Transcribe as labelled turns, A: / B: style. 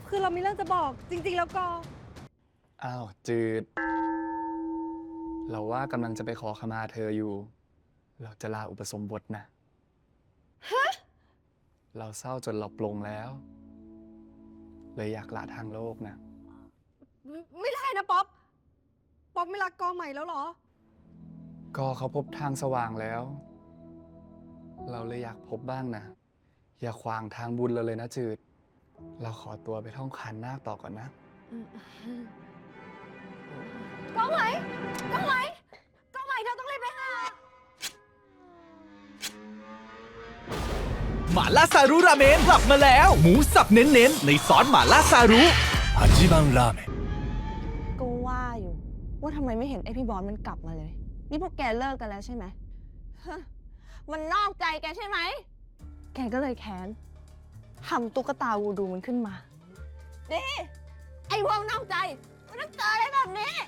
A: คือเรามีเรื่องจะบอกจริงๆแล้วก็
B: อ้าวจืด เราว่ากำลังจะไปขอขมาเธออยู่ เราจะลาอุปสมบทนะเราเศร้าจนเราปลงแล้ว เลยอยากละทางโลกนะ
A: ไม่ได้นะป๊อป ป๊อปไม่รักกอใหม่แล้วเหรอ
B: ก็เขาพบทางสว่างแล้ว เราเลยอยากพบบ้างนะ อย่าขวางทางบุญเราเลยนะจืด เราขอตัวไปท่องขันนาคต่อก่อนนะ
A: กอใหม่กอใหม่กอใหม่เธอต้องรีบไปหา
C: หม่าล่าซารุราเมนกลับมาแล้ว หมูสับเน้นๆในซอสหม่าล่าซารุฮัจิบังราเมน
D: ก็ว่าอยู่ว่าทำไมไม่เห็นไอพี่บอสมันกลับมาเลย นี่พวกแกเลิกกันแล้วใช่ไหมฮะมันนอกใจแกใช่ไหม แกก็เลยแค้นทำตุ๊กตาวูดูมันขึ้นมาดิไอพวกนอกใจมันต้องเจออะไรแบบนี้